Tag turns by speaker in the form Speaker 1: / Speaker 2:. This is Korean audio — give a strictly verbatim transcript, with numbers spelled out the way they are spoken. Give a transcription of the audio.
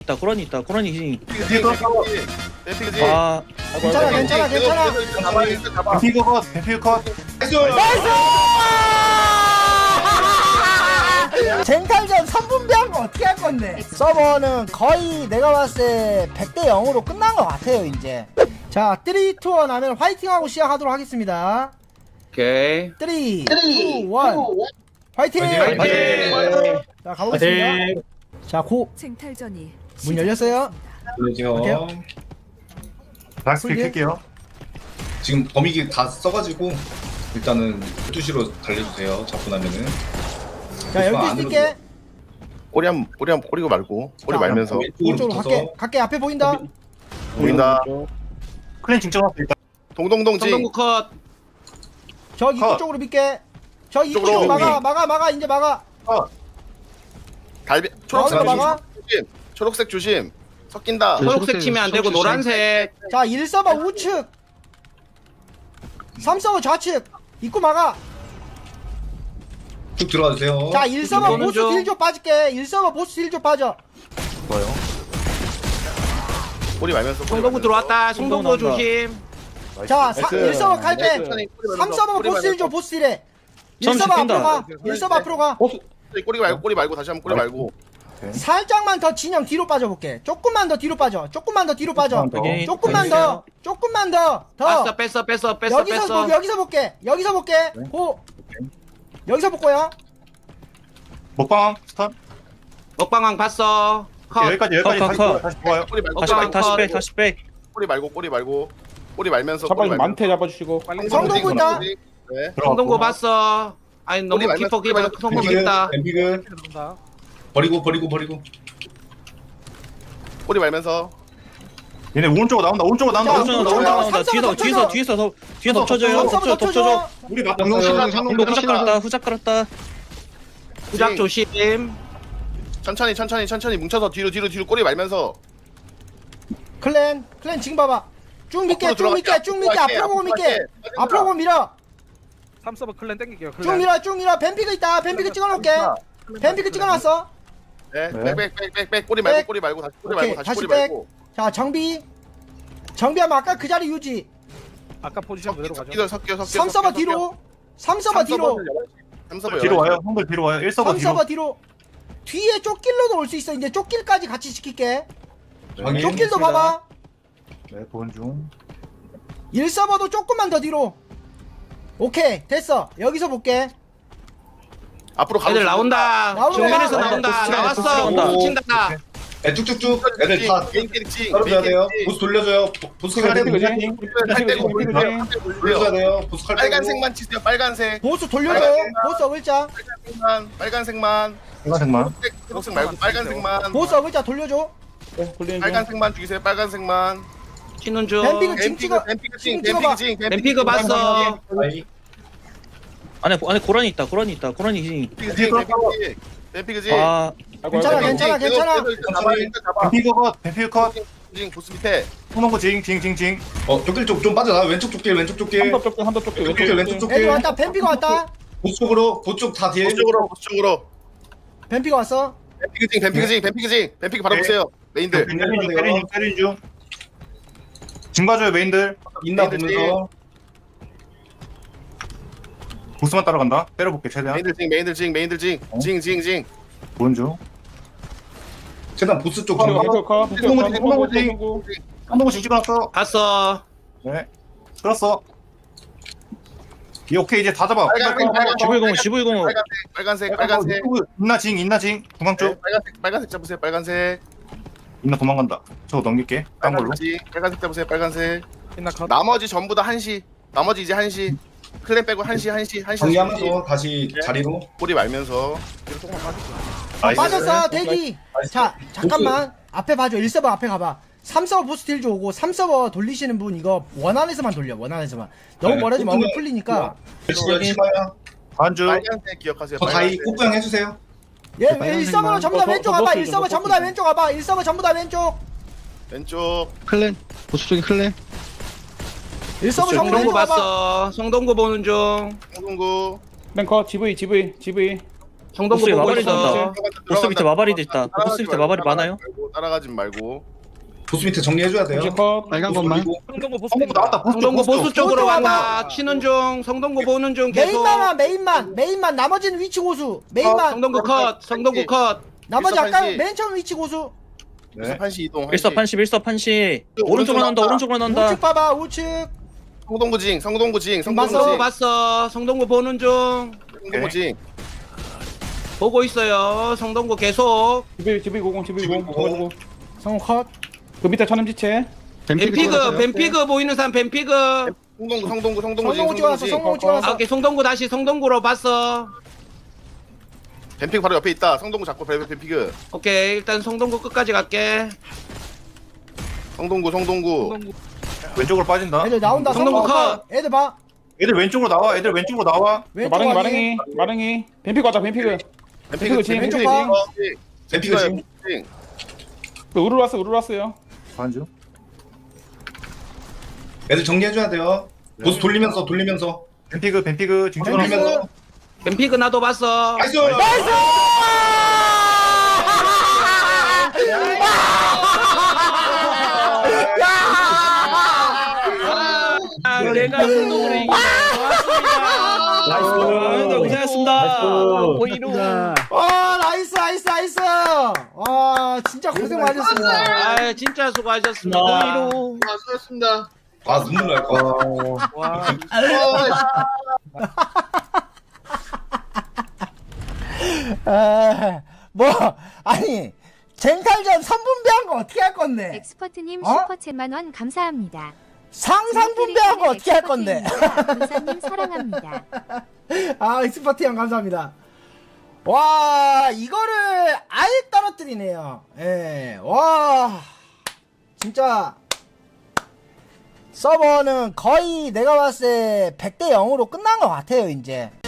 Speaker 1: 있다 고라니 있다 고라니 희생.
Speaker 2: 뱀피그지.
Speaker 1: 아
Speaker 3: 괜찮아 괜찮아 괜찮아.
Speaker 2: 잡아 잡아.
Speaker 4: 뱀피그 컷, 뱀피그 컷.
Speaker 3: 젠탈전 삼 분배한 거 어떻게 할 건데? 서버는 거의 내가 봤을 때 백 대 영으로 끝난 것 같아요 이제. 자 삼, 이, 일 하면 화이팅하고 시작하도록 하겠습니다.
Speaker 1: 오케이.
Speaker 3: 삼, 이, 일 화이팅!
Speaker 1: 화이팅!
Speaker 3: 자 가보겠습니다. 자 고!
Speaker 5: 쟁탈전이
Speaker 3: 문 열렸어요?
Speaker 4: 볼게요. 다시
Speaker 3: 풀게.
Speaker 4: 킬게요.
Speaker 6: 지금 범위기 다 써가지고 일단은 열두 시로 달려주세요. 잡고 나면은.
Speaker 3: 자 열두 시 뛸게.
Speaker 2: 꼬리 한 꼬리 한 꼬리고 말고 꼬리
Speaker 3: 자,
Speaker 2: 말면서
Speaker 3: 오른쪽으로 갈게. 갈게. 앞에 보인다.
Speaker 2: 보인다.
Speaker 4: 클랜 진짜 왔어 일단.
Speaker 2: 동동동지.
Speaker 1: 성동구 컷.
Speaker 3: 저 입구
Speaker 2: 컷.
Speaker 3: 쪽으로 밀게. 저 입구
Speaker 2: 쪽으로
Speaker 3: 쪽 막아
Speaker 2: 오케이.
Speaker 3: 막아 막아 이제 막아.
Speaker 2: 달비
Speaker 3: 나오는 거
Speaker 2: 초록색
Speaker 3: 막아.
Speaker 2: 조심. 초록색 조심. 섞인다.
Speaker 1: 초록색 치면 안 되고 노란색.
Speaker 3: 자 일 서버 우측. 삼 서버 좌측. 입구 막아.
Speaker 6: 쭉 들어가 주세요.
Speaker 3: 자 일 서버
Speaker 1: 보는
Speaker 3: 보스
Speaker 1: 중.
Speaker 3: 딜 좀 빠질게. 일 서버 보스 딜 좀 빠져.
Speaker 2: 뭐요? 꼬리 말면서. 꼬리
Speaker 1: 성동구
Speaker 2: 말면서.
Speaker 1: 들어왔다. 성동구 나온다. 조심.
Speaker 3: 자 일 서버 갈 때.
Speaker 2: 천천히 꼬리
Speaker 3: 삼
Speaker 2: 말면서,
Speaker 3: 서버
Speaker 2: 꼬리
Speaker 3: 보스 딜
Speaker 2: 말면서.
Speaker 3: 좀 보스 딜해. 일
Speaker 1: 점심
Speaker 3: 서버
Speaker 1: 뛴다.
Speaker 3: 앞으로 가. 일 서버 앞으로 가.
Speaker 2: 꼬리 말고 꼬리 말고 다시 한번 꼬리 말고.
Speaker 3: 살짝만 더 진영 뒤로 빠져볼게. 조금만 더 뒤로 빠져. 조금만 더 뒤로 빠져.
Speaker 1: 오케이.
Speaker 3: 조금만 더. 조금만 더. 더.
Speaker 1: 뺐어 뺐어 뺐어 뺐어
Speaker 3: 여기서
Speaker 1: 뺐어.
Speaker 3: 보, 여기서 볼게. 여기서 볼게. 고. 여기서 볼 거야.
Speaker 4: 먹방 스턴.
Speaker 1: 먹방왕 봤어. 컷.
Speaker 4: 여기까지 여기까지
Speaker 1: 컷,
Speaker 4: 다시
Speaker 1: 컷,
Speaker 4: 좋아요. 다시 좋아요.
Speaker 2: 꼬리 말고
Speaker 1: 다시
Speaker 2: 꼬리
Speaker 1: 백
Speaker 2: 말고
Speaker 1: 다시 백 다시 백.
Speaker 2: 꼬리 말고 꼬리 말고 꼬리 말면서
Speaker 7: 잡아
Speaker 2: 꼬리 말면서.
Speaker 7: 만태 잡아주시고 빨리
Speaker 3: 성동구 있다.
Speaker 2: 네.
Speaker 1: 성동구 봤어. 아니 너무
Speaker 2: 꼬리 말면서,
Speaker 1: 깊어
Speaker 2: 꼬리
Speaker 1: 깊어
Speaker 2: 말면서.
Speaker 1: 성동구
Speaker 6: 뱀피그,
Speaker 1: 있다.
Speaker 6: 뱀피그. 버리고 버리고 버리고.
Speaker 2: 꼬리 말면서.
Speaker 4: 얘네 오른쪽으로 나온다. 오른쪽으로 나온다.
Speaker 3: 자,
Speaker 4: 오른쪽으로
Speaker 3: 오른쪽으로
Speaker 4: 나온다.
Speaker 1: 나온다 나온다. 뒤에서 뒤에서 뒤에서 더 뒤에서 덮쳐줘요.
Speaker 3: 삼 서버
Speaker 1: 덮쳐 덮쳐줘.
Speaker 3: 덮쳐줘.
Speaker 4: 우리 막
Speaker 1: 성동 후작 깔았다. 후작 깔았다. 후작
Speaker 2: 네.
Speaker 1: 조심.
Speaker 2: 천천히 천천히 천천히 뭉쳐서 뒤로 뒤로 뒤로 꼬리 말면서.
Speaker 3: 클랜. 클랜 지금 봐봐. 쭉 밀게.
Speaker 2: 앞으로
Speaker 3: 쭉 밀게.
Speaker 2: 들어갈게,
Speaker 3: 쭉 밀게.
Speaker 2: 앞으로
Speaker 3: 앞으로 보고 밀게.
Speaker 2: 갈게.
Speaker 3: 앞으로 보고 밀어.
Speaker 7: 삼 서버 클랜 땡길게요.
Speaker 3: 쭉 밀어. 쭉 밀어. 뱀피그 있다. 뱀피그 찍어놓을게. 뱀피그 찍어놨어.
Speaker 2: 네.
Speaker 4: 네.
Speaker 2: 백백백백백 꼬리 말고
Speaker 3: 백.
Speaker 2: 꼬리 말고 다시 꼬리
Speaker 3: 오케이.
Speaker 2: 말고 다시
Speaker 3: 다시
Speaker 2: 꼬리
Speaker 3: 백.
Speaker 2: 말고.
Speaker 3: 자 정비. 정비하면 아까 그 자리 유지.
Speaker 7: 아까 포지션 그대로 가죠.
Speaker 2: 섞여 섞여 섞여.
Speaker 3: 삼 서버 뒤로. 삼 서버 뒤로.
Speaker 2: 삼 서버
Speaker 4: 뒤로 와요. 형들 뒤로 와요. 일 서버
Speaker 3: 삼
Speaker 4: 뒤로.
Speaker 3: 서버 뒤로. 뒤에 쪽길로도 올 수 있어. 이제 쪽길까지 같이 시킬게.
Speaker 6: 확인.
Speaker 3: 쪽길도 봐봐.
Speaker 4: 네, 보는 중.
Speaker 3: 일 서버도 조금만 더 뒤로. 오케이 됐어. 여기서 볼게.
Speaker 2: 앞으로 가고
Speaker 1: 애들
Speaker 2: 있어.
Speaker 1: 나온다.
Speaker 3: 나온다.
Speaker 1: 정면에서
Speaker 3: 나온다.
Speaker 1: 나온다. 나왔어.
Speaker 6: 나온다.
Speaker 1: 뭉친다.
Speaker 6: 네, 쭉쭉쭉. 애들 다
Speaker 2: 개인끼리
Speaker 6: 떨어져야 돼요. 보스 돌려줘요. 보- 보스 칼
Speaker 7: 뱀피그
Speaker 6: 빼고
Speaker 7: 지
Speaker 2: 할 때고
Speaker 7: 뱀피그
Speaker 2: 올려요.
Speaker 7: 지
Speaker 6: 돌려줘야 돼요. 보스 칼 빼고.
Speaker 2: 빨간색만 치세요. 빨간색.
Speaker 3: 보스 돌려줘. 보스 어글자.
Speaker 2: 빨간색만. 빨간색만.
Speaker 4: 빨간색만.
Speaker 2: 초록색, 초록색 말고 빨간색만.
Speaker 3: 보스 어글자 돌려줘.
Speaker 7: 굴리는 중.
Speaker 2: 빨간색만 죽이세요. 빨간색만.
Speaker 1: 치는 중.
Speaker 3: 뱀피그 징 찍어.
Speaker 2: 뱀피그
Speaker 3: 징
Speaker 2: 징,
Speaker 3: 찍어봐.
Speaker 2: 뱀피그 징,
Speaker 1: 뱀피그 봤어.
Speaker 6: 아이.
Speaker 1: 안에 안에 고라니 있다. 고라니 있다. 고라니 희생.
Speaker 2: 뱀피그 징, 뱀피그 징. 뱀피그 징.
Speaker 1: 아
Speaker 3: 괜찮아, 괜찮아, 괜찮아.
Speaker 2: 잡아, 일단 잡아.
Speaker 4: 뱀피그 컷. 뱀피그 컷.
Speaker 2: 징 보스 밑에.
Speaker 4: 성동구 징, 징, 징, 징.
Speaker 6: 어, 쪽길 쪽 좀 빠져나. 왼쪽 쪽길, 왼쪽 쪽길.
Speaker 7: 한더 쪽도 한더 쪽도
Speaker 6: 왼쪽 쪽길, 왼쪽
Speaker 3: 애들
Speaker 6: 쪽길.
Speaker 3: 왔다. 뱀피가 왔다.
Speaker 6: 보스 쪽으로, 보스 쪽다 뒤에.
Speaker 2: 보스 쪽으로, 보스 쪽으로.
Speaker 3: 뱀피가 왔어.
Speaker 2: 뱀피그 징, 뱀피그 징, 뱀피그 징. 뱀피그 바로
Speaker 6: 네.
Speaker 2: 보세요. 메인들.
Speaker 4: 때리는 중, 때리는 중, 때리는 중. 징 봐줘요, 메인들.
Speaker 6: 있나
Speaker 2: 메인들
Speaker 6: 보면서.
Speaker 4: 보스만 따라간다. 때려볼게, 최대한.
Speaker 2: 메인들 징, 메인들 징, 메인들 징. 징, 징, 징.
Speaker 4: 보는 중.
Speaker 6: 최대한 보스 쪽
Speaker 7: 뱀피그
Speaker 6: 좀.
Speaker 7: 컷. 뱀피그 컷.
Speaker 4: 성동구 징.
Speaker 7: 성동구.
Speaker 4: 성동구 징 찍어놨어.
Speaker 1: 봤어.
Speaker 4: 네. 끌었어. 이 오케이, 이제 다 잡아.
Speaker 2: 빨간색, 빨간색.
Speaker 1: 지브이공 지브이공.
Speaker 2: 빨간색, 빨간색, 빨간색.
Speaker 4: 있나 징, 있나 징. 중앙
Speaker 2: 네,
Speaker 4: 쪽.
Speaker 2: 빨간색, 빨간색 잡으세요. 빨간색.
Speaker 4: 있나 도망간다. 저거 넘길게. 딴 걸로.
Speaker 2: 빨간색, 징, 빨간색 잡으세요. 빨간색.
Speaker 7: 빛나 컷.
Speaker 2: 나머지 전부 다 한시. 나머지 이제 한시. 클랜 빼고 한시, 한시, 한시.
Speaker 6: 정리하면서 다시 자리로.
Speaker 2: 꼬리 말면서. 뒤로 조금만 빠질게요.
Speaker 3: 빠졌어. 대기.
Speaker 6: 나이스.
Speaker 3: 자 잠깐만. 앞에 봐줘. 일 서버 앞에 가봐. 삼 서버 보스 딜 오고 삼 서버 돌리시는 분 이거 원안에서만 돌려. 원안에서만. 너무
Speaker 6: 네,
Speaker 3: 멀어지면 얼굴
Speaker 6: 꼬투는-
Speaker 3: 풀리니까.
Speaker 6: 열심히 열심히 봐요.
Speaker 4: 반주.
Speaker 2: 빨간색 기억하세요.
Speaker 6: 저 다이
Speaker 2: 빨간색.
Speaker 6: 꽃부양 해주세요.
Speaker 3: 얘 일 서버로 전부 다
Speaker 7: 더,
Speaker 3: 왼쪽
Speaker 7: 더,
Speaker 3: 가봐.
Speaker 7: 더
Speaker 3: 일 서버
Speaker 7: 더
Speaker 3: 전부 다
Speaker 7: 더
Speaker 3: 왼쪽 가봐. 일 서버 전부 다 왼쪽.
Speaker 2: 왼쪽.
Speaker 8: 클랜 보스 쪽에 클랜
Speaker 3: 일 서버 전부 다
Speaker 1: 성동구
Speaker 3: 왼쪽 가봐.
Speaker 1: 봤어. 성동구 보는 중.
Speaker 2: 홍동구.
Speaker 7: 맨컷 지브이 지브이 지브이.
Speaker 5: 성동구
Speaker 1: 보스에
Speaker 5: 보고
Speaker 1: 마발이
Speaker 5: 있어.
Speaker 1: 된다. 보스 밑에 마발이도 있다. 보스 밑에 마발이 많아요?
Speaker 2: 따라가지 말고.
Speaker 6: 보스 밑에 정리해줘야 돼요.
Speaker 7: 이제 컷.
Speaker 8: 빨간
Speaker 6: 보스
Speaker 8: 것만.
Speaker 6: 돌리고.
Speaker 7: 성동구 보스
Speaker 4: 성공
Speaker 7: 땡긴다.
Speaker 4: 나왔다. 보스 쪽,
Speaker 5: 성동구
Speaker 4: 보스
Speaker 5: 보스
Speaker 4: 쪽.
Speaker 5: 쪽으로
Speaker 3: 보스
Speaker 5: 간다.
Speaker 3: 와봐.
Speaker 5: 치는 중. 성동구 보는 중 계속.
Speaker 3: 메인만 메인만 메인만 나머지는 위치 고수. 메인만
Speaker 5: 성동구 컷. 성동구 컷.
Speaker 3: 나머지
Speaker 2: 일섭
Speaker 3: 아까
Speaker 2: 한시.
Speaker 3: 맨 처음 위치 고수.
Speaker 4: 네.
Speaker 2: 한시 이동. 한시.
Speaker 1: 일섭 한시 일섭 한시
Speaker 2: 오른쪽으로
Speaker 1: 오른쪽으로 난다
Speaker 2: 나온다.
Speaker 1: 오른쪽으로 난다.
Speaker 3: 우측 봐봐 우측.
Speaker 2: 성동구징, 성동구징,
Speaker 3: 봤어,
Speaker 5: 성동구
Speaker 2: 성동구징,
Speaker 5: 봤어. 성동구 보는 중.
Speaker 2: 성동구징.
Speaker 5: 보고 있어요. 성동구 계속.
Speaker 7: 지비 지비 고공 지비
Speaker 6: 지비
Speaker 7: 고공.
Speaker 6: 고공.
Speaker 7: 고공.
Speaker 3: 성우 컷.
Speaker 7: 그 밑에 천음지체.
Speaker 5: 뱀피그 뱀피그 보이는 사람 뱀피그.
Speaker 2: 성동구, 성동구, 성동구징,
Speaker 3: 성우 찍어놨어
Speaker 2: 성동구징.
Speaker 3: 성우
Speaker 5: 아,
Speaker 3: 찍어놨어.
Speaker 5: 오케이 성동구 다시 성동구로 봤어.
Speaker 2: 뱀피그 바로 옆에 있다. 성동구 잡고 뱀- 뱀피그.
Speaker 5: 오케이 일단 성동구 끝까지 갈게.
Speaker 2: 성동구, 성동구.
Speaker 7: 성동구.
Speaker 4: 왼쪽으로 빠진다.
Speaker 3: 애들 나온다.
Speaker 5: 성동구
Speaker 3: 성우 컷. 애들 봐.
Speaker 4: 애들 왼쪽으로 나와. 애들 왼쪽으로 나와.
Speaker 3: 왼쪽
Speaker 7: 마릉이
Speaker 3: 확인.
Speaker 7: 마릉이 마릉이. 뱀피그 가자 뱀피그.
Speaker 2: 뱀피그
Speaker 7: 징,
Speaker 2: 뱀피그
Speaker 3: 왼쪽 봐.
Speaker 2: 징.
Speaker 6: 뱀피그 징.
Speaker 2: 징.
Speaker 7: 그 우르르 왔어 우르르 왔어요.
Speaker 4: 반주.
Speaker 6: 애들 정리해줘야 돼요. 보스 돌리면서 돌리면서
Speaker 4: 뱀피그 뱀피그 징징 하면서.
Speaker 6: 돌리면서.
Speaker 5: 뱀피그 나도 봤어.
Speaker 6: 나이스.
Speaker 5: 아, 내가 성동구를 이기네.
Speaker 1: 나이스. 고생하셨습니다.
Speaker 7: 보이로.
Speaker 3: 와 나이스 나이스 나이스. 와 진짜 고생 많으셨습니다.
Speaker 5: 아 진짜 수고하셨습니다.
Speaker 6: 아 눈물 날 것 같아.
Speaker 7: 와.
Speaker 3: 에, 뭐 아니 쟁탈전 삼 분배한 거 어떻게 할 건데?
Speaker 9: 엑스퍼트님
Speaker 3: 어?
Speaker 9: 슈퍼챗만 원 감사합니다.
Speaker 3: 상상 분배한 거 어떻게 할 건데?
Speaker 9: 부사님 사랑합니다.
Speaker 3: 아 익스퍼트 형 감사합니다. 와 이거를 아예 떨어뜨리네요. 예, 와 진짜 서버는 거의 내가 봤을 때 백 대 영으로 끝난 것 같아요 이제.